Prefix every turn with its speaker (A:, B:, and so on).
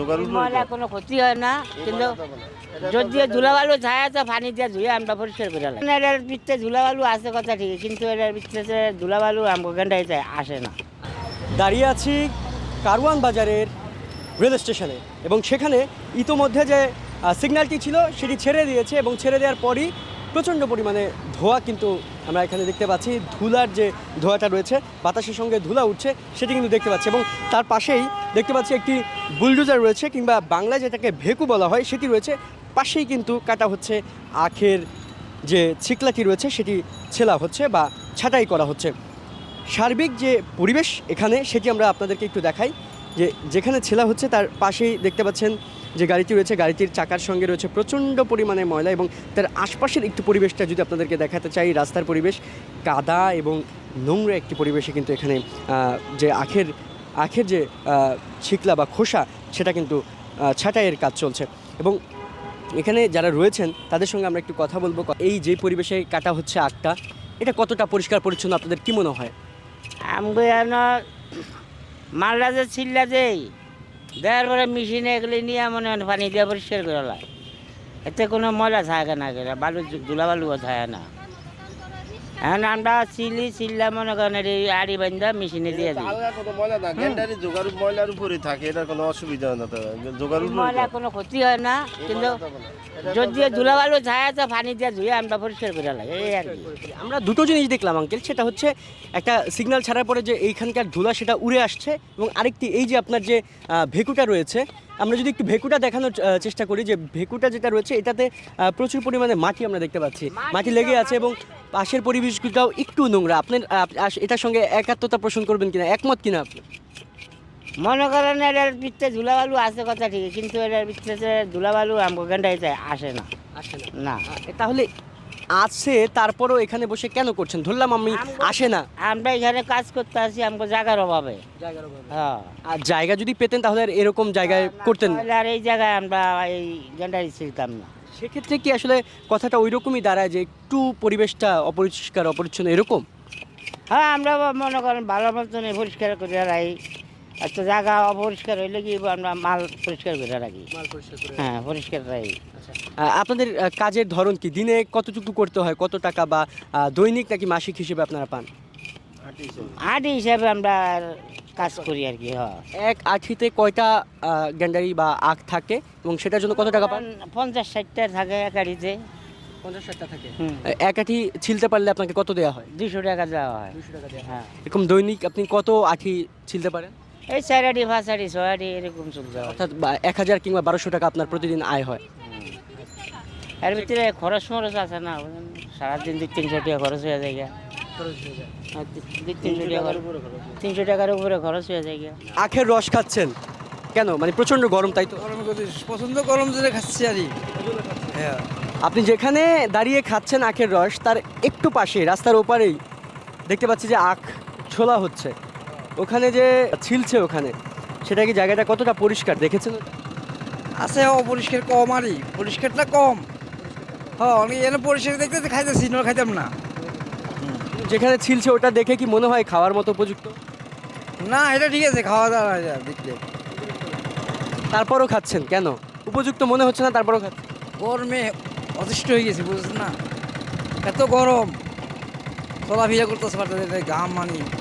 A: ময়লা কোনো ক্ষতি হয় না, কিন্তু যদি ধুলাবালু ছায়া আছে পানি দিয়ে ধুয়ে আমরা পরিষ্কার করে লাগে। এটার ভিতরে ধুলাবালু আছে কথা ঠিক, কিন্তু এটার ভিতরে ধুলাবালু আমগান্ডাইতে আসে না।
B: দাঁড়িয়ে আছি কারওয়ান বাজারের রেল স্টেশনে এবং সেখানে ইতোমধ্যে যে সিগন্যালটি ছিল সেটি ছেড়ে দিয়েছে এবং ছেড়ে দেওয়ার পরই প্রচণ্ড পরিমাণে ধোঁয়া কিন্তু আমরা এখানে দেখতে পাচ্ছি। ধুলার যে ধোঁয়াটা রয়েছে, বাতাসের সঙ্গে ধুলা উঠছে সেটি কিন্তু দেখতে পাচ্ছি এবং তার পাশেই দেখতে পাচ্ছি একটি বুলডোজার রয়েছে, কিংবা বাংলায় যেটাকে ভেকু বলা হয় সেটি রয়েছে। পাশেই কিন্তু কাটা হচ্ছে আখের যে ছিকলাটি রয়েছে সেটি ছেলা হচ্ছে বা ছাঁটাই করা হচ্ছে। সার্বিক যে পরিবেশ এখানে সেটি আমরা আপনাদেরকে একটু দেখাই। যেখানে ছেলা হচ্ছে তার পাশেই দেখতে পাচ্ছেন যে গাড়িটি রয়েছে, গাড়িটির চাকার সঙ্গে রয়েছে প্রচণ্ড পরিমাণে ময়লা এবং তার আশপাশের একটু পরিবেশটা যদি আপনাদেরকে দেখাতে চাই, রাস্তার পরিবেশ কাদা এবং নোংরা একটি পরিবেশে কিন্তু এখানে যে আখের যে ছিকলা বা খোসা সেটা কিন্তু ছাঁটাইয়ের কাজ চলছে এবং এখানে যারা রয়েছেন তাদের সঙ্গে আমরা একটু কথা বলবো। এই যে পরিবেশে কাটা হচ্ছে আখটা, এটা কতটা পরিষ্কার পরিচ্ছন্ন আপনাদের কি মনে হয়?
A: আমগো মালটা যে ছিল্লা দেই দেওয়ার পরে মেশিনে এগুলি নিয়ে মনে হয় পানি দিয়ে পরিষ্কার করে লাগে, এতে কোনো ময়লা থাকে না, বালু ধুলাবালুও থাকে না। এখন আমরা চিল্লা মনে করেন আড়ি বান্ধা মেশিনে দিয়ে দিই।
C: ময়লার উপরে থাকে, এটা কোনো অসুবিধা না,
A: ময়লা কোনো ক্ষতি হয় না, কিন্তু যদি ধুলাবালু ছায়া আছে পানি দিয়ে ধুয়ে আমরা পরিষ্কার করে লাগে, এই আর কি।
B: আমরা দুটো জিনিস দেখলাম আঙ্কেল, সেটা হচ্ছে একটা সিগন্যাল ছাড়ার পরে যে এইখানকার ধুলা সেটা উড়ে আসছে এবং আরেকটি এই যে আপনার যে ভেকুটা রয়েছে, আমরা যদি একটু ভেকুটা দেখানোর চেষ্টা করি, যে ভেকুটা যেটা রয়েছে এটাতে প্রচুর পরিমাণে মাটি আমরা দেখতে পাচ্ছি, মাটি লেগে আছে এবং পাশের পরিবেশগুলোটাও একটু নোংরা। আপনার এটার সঙ্গে একাত্মতা পোষণ করবেন কিনা, একমত কিনা আপনি?
A: মনে করেন এটার ভিতরে ধুলাবালু আছে কথা ঠিক, কিন্তু এটার ভিতরে ধুলাবালু আমগান্ডাইতে আসে না। না
B: তাহলে আছে, তারপরও এখানে বসে কেন করছেন? ধরলাম আমি আসে না,
A: আমরা এখানে কাজ করতে আসি আমাকে জায়গার অভাবে। হ্যাঁ,
B: আর জায়গা যদি পেতেন তাহলে আর এরকম জায়গায় করতেন না।
A: আর এই জায়গায় আমরা এই গেন্ডারি ছিলতাম না।
B: সেক্ষেত্রে কি আসলে কথাটা ওই রকমই দাঁড়ায় যে একটু পরিবেশটা অপরিষ্কার অপরিচ্ছন্ন এরকম?
A: হ্যাঁ, আমরা ভালো করেন ভালো মতন পরিষ্কার করে রাখি, একটা জায়গা অপরিষ্কার হইলে কি আমরা মাল পরিষ্কার করে রাখি। হ্যাঁ, পরিষ্কার রাখি।
B: আপনাদের কাজের ধরন কি? দিনে কতটুকু করতে হয়, কত টাকা, বা দৈনিক নাকি মাসিক হিসেবে আপনারা পান?
A: আটি হিসাবে আমরা কাজ করি আর কি। হ্যাঁ,
B: এক আঠিতে কয়টা গ্যান্ডারি বা আখ থাকে এবং সেটার জন্য কত টাকা পান?
A: 50-60টা থাকে এক আটিতে।
B: 50-60টা থাকে। এক আঠি ছিলতে পারলে আপনাকে কত দেওয়া হয়?
A: 200 টাকা দেওয়া হয়।
B: 200 টাকা দেওয়া হয়।
A: হ্যাঁ,
B: এরকম দৈনিক আপনি কত আঠি ছিলতে পারেন?
A: এই 4 আটি 5 আটি 6 আটি এরকম চলতে হয়।
B: অর্থাৎ 1000 কিংবা 1200 টাকা আপনার প্রতিদিন আয় হয়।
A: এর ভিতরে খরচ মরচ আছে না, সারাদিন 200-300 টাকা খরচ হয়ে যায়। 300 টাকার উপরে খরচ হয়ে যায়।
B: আখের রস খাচ্ছেন কেন? মানে প্রচন্ড গরম, তাই তো?
D: পছন্দ গরম জন্য খাচ্ছি আর হ্যাঁ।
B: আপনি যেখানে দাঁড়িয়ে খাচ্ছেন আখের রস, তার একটু পাশে রাস্তার ওপারেই দেখতে পাচ্ছি যে আখ ছোলা হচ্ছে। ওখানে যে ছিলছে ওখানে, সেটা কি জায়গাটা কতটা পরিষ্কার দেখেছেন?
D: আছে অপরিষ্কার কম, আরই পরিষ্কারটা কম। হ্যাঁ, অনেক এনে পরিষ্কার দেখতে খাইতেছি, না খাইতাম না।
B: যেখানে ছিলছে ওটা দেখে কি মনে হয় খাওয়ার মতো উপযুক্ত?
D: না, এটা ঠিক আছে, খাওয়া দাওয়া দেখতে।
B: তারপরও খাচ্ছেন কেন? উপযুক্ত মনে হচ্ছে না, তারপরও খাচ্ছেন?
D: গরমে অতিষ্ঠ হয়ে গেছি, বুঝছেন না? এত গরম, চলাফেরা করতেছে পারতেছে, ঘাম মানি